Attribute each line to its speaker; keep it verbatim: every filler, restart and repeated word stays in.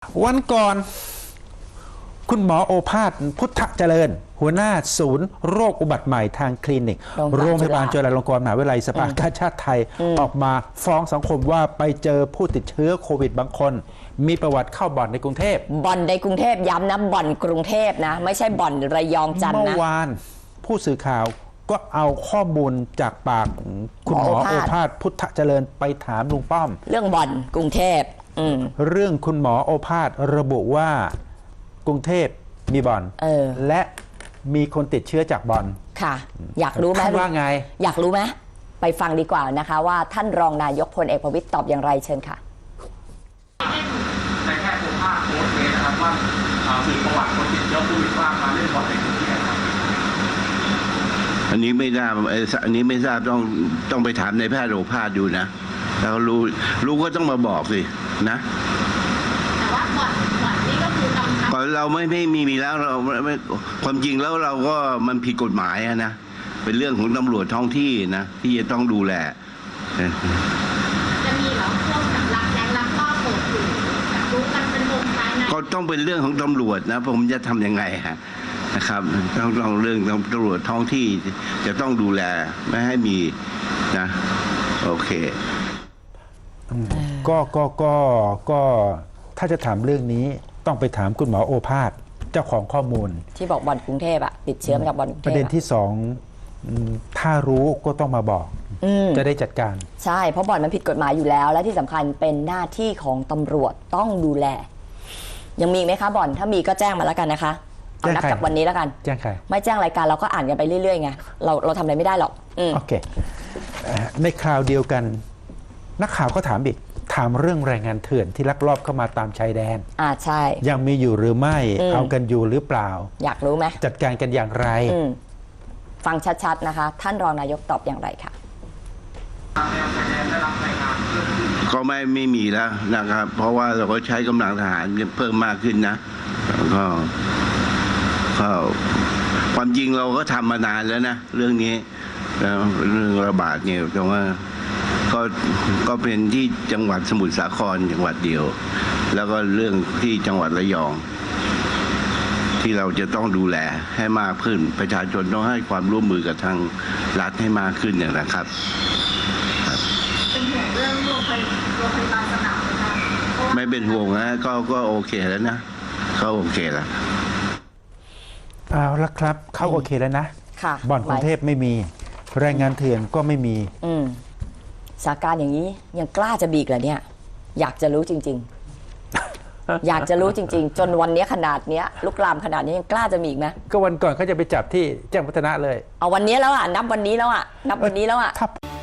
Speaker 1: วันก่อนคุณหมอโอภาสพุทธเจริญ หัวหน้าศูนย์โรคอุบัติใหม่ทางคลินิกโรงพยาบาลจุฬาลงกรณ์มหาวิทยาลัยสภากาชาติไทยออกมาฟ้องสังคมว่าไปเจอผู้ติดเชื้อโควิดบางคน มีประวัติเข้าบ่อนในกรุงเทพ
Speaker 2: บ่อนในกรุงเทพย้ำนะบ่อนกรุงเทพนะไม่ใช่บ่อนระยองจันทร์นะ
Speaker 1: เมื่อวานผู้สื่อข่าวก็เอาข้อมูลจากปากคุณหมอโอภาสพุทธเจริญไปถามลุงป้อม
Speaker 2: เรื่องบ่อนกรุงเทพ
Speaker 1: เรื่องคุณหมอโอภาสระบุว่ากรุงเทพมีบ่อนและมีคนติดเชื้อจากบ่อน
Speaker 2: ค่ะอยากรู้ไหม
Speaker 1: ว่าไง
Speaker 2: อยากรู้ไหมไปฟังดีกว่านะคะว่าท่านรองนายกพลเอกประวิตรตอบอย่างไรเชิญค่ะ
Speaker 3: ในแค่โอภาสโพสต์เลยนะครับว่าสืบประวัติคนติดเชื้อโควิดว่ามาเล่นบ่อนในกรุงเทพครับ
Speaker 4: อันนี้ไม่ทราบอันนี้ไม่ทราบต้องต้องไปถามในแพทย์โอภาสดูนะแล้วรู้รู้ก็ต้องมาบอกสินะ
Speaker 5: แต่ว่าบ่อนบ่อนนี่ก็คือกำชับ
Speaker 4: ก่อนเราไม่ไม่มีมีแล้วเราไม่ความจริงแล้วเราก็มันผิดกฎหมายนะเป็นเรื่องของตำรวจท้องที่นะที่จะต้องดูแล
Speaker 5: จะมีเหรอพวกแบบลักแรงลักลอบเปิดอยู่แบบรู้กันเป็นวงภายใน
Speaker 4: ก็ต้องเป็นเรื่องของตำรวจนะผมจะทำยังไงฮะนะครับต้องต้องเรื่องตำรวจท้องที่จะต้องดูแลไม่ให้มีนะโอเค
Speaker 1: ก็ก็ก็ก็ถ้าจะถามเรื่องนี้ต้องไปถามคุณหมอโอภาสเจ้าของข้อมูล
Speaker 2: ที่บอกบ่อนกรุงเทพอะติดเชื้อมาจากบ่อนกรุงเทพ
Speaker 1: ประเด็นที่สองถ้ารู้ก็ต้องมาบอกจะได้จัดการ
Speaker 2: ใช่เพราะบ่อนมันผิดกฎหมายอยู่แล้วและที่สำคัญเป็นหน้าที่ของตำรวจต้องดูแลยังมีไหมคะบ่อนถ้ามีก็แจ้งมาแล้วกันนะคะเอานับจากวันนี้แล้วกัน
Speaker 1: แจ้งใคร
Speaker 2: ไม่แจ้งรายการเราก็อ่านกันไปเรื่อยๆไงเราเราทำอะไรไม่ได้หรอก
Speaker 1: โอเคในคราวเดียวกันนักข่าวก็ถามอีกถามเรื่องแรงงานเถื่อนที่ลักลอบเข้ามาตามชายแดน
Speaker 2: อ่าใช่
Speaker 1: ยังมีอยู่หรือไม่เอากันอยู่หรือเปล่า
Speaker 2: อยากรู้ไหม
Speaker 1: จัดการกันอย่างไร
Speaker 2: ฟังชัดๆนะคะท่านรองนายกตอบอย่างไรค่ะ
Speaker 4: ก็ไม่ไม่มีแล้วนะครับเพราะว่าเราก็ใช้กำลังทหารเพิ่มมากขึ้นนะก็ก็ความจริงเราก็ทำมานานแล้วนะเรื่องนี้แล้วเรื่องระบาดเนี่ยแต่ว่าก็ก็เป็นที่จังหวัดสมุทรสาครจังหวัดเดียวแล้วก็เรื่องที่จังหวัดระยองที่เราจะต้องดูแลให้มากขึ้นประชาชนต้องให้ความร่วมมือกับทางรัฐให้มากขึ้นเนี่ยนะครับ
Speaker 5: เป็นห่วงเรื่องโรงพยาบาลสนามไหมคะ
Speaker 4: ไม่เป็นห่วงนะก็ก็โอเคแล้วนะเขาโอเคแล้ว
Speaker 1: เอาละครับเขาโอเคแล้วนะบ่อนกรุงเทพไม่มีแรงงานเถื่อนก็ไม่มี
Speaker 2: อืมสถานการณ์อย่างนี้ยังกล้าจะบีกเหรอเนี่ยอยากจะรู้จริงๆ อยากจะรู้จริงๆจนวันนี้ขนาดนี้ลุกลามขนาดนี้ยังกล้าจะมีอีกไหม
Speaker 1: ก็วันก่อนเขาจะไปจับที่แจ้งวัฒนะเลย
Speaker 2: เอาวันนี้แล้วอ่ะนับวันนี้แล้วอ่ะนับวันนี้แล้วอ่ะ